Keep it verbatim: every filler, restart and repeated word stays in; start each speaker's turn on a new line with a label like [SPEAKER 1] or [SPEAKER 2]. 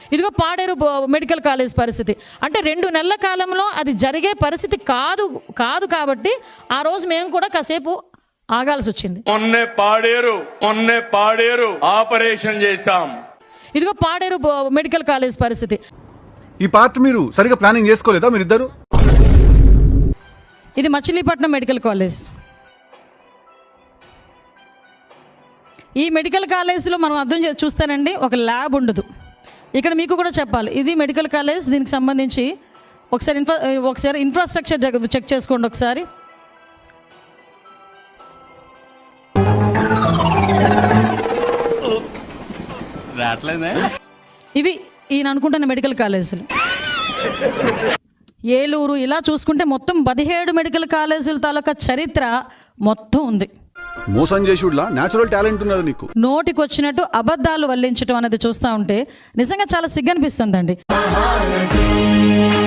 [SPEAKER 1] ఇదిగో Paderu medical college పరిస్థితి అంటే రెండు నెలల కాలంలో అది జరిగే పరిస్థితి కాదు కాదు కాబట్టి ఆ రోజు మేము కూడా కాసేపు ఆగాల్సి వచ్చింది.
[SPEAKER 2] మొన్నే పాడేరు మొన్నే పాడేరు ఆపరేషన్ చేశాం.
[SPEAKER 1] ఇదిగో పాడేరు మెడికల్ కాలేజ్ పరిస్థితి.
[SPEAKER 3] ఈ పార్ట్ మీరు సరిగా ప్లానింగ్ చేసుకోలేదా మీరిద్దరు?
[SPEAKER 1] ఇది మచిలీపట్నం మెడికల్ కాలేజ్. ఈ మెడికల్ కాలేజ్లో మనం అర్థం చే చూస్తానండి ఒక ల్యాబ్ ఉండదు. ఇక్కడ మీకు కూడా చెప్పాలి, ఇది మెడికల్ కాలేజ్. దీనికి సంబంధించి ఒకసారి ఇన్ఫ్రా ఒకసారి ఇన్ఫ్రాస్ట్రక్చర్ చెక్ చేసుకోండి ఒకసారి. ఇవి ఈయన అనుకుంటున్న మెడికల్ కాలేజీలు. ఏలూరు ఇలా చూసుకుంటే మొత్తం పదిహేడు మెడికల్ కాలేజీల తాలూకా చరిత్ర మొత్తం ఉంది.
[SPEAKER 3] మోసం చేసుడులా న్యాచురల్ టాలెంట్ ఉన్నది నీకు.
[SPEAKER 1] నోటికి వచ్చినట్టు అబద్ధాలు వల్లించడం అనేది చూస్తూ ఉంటే నిజంగా చాలా సిగ్గనిపిస్తుందండి.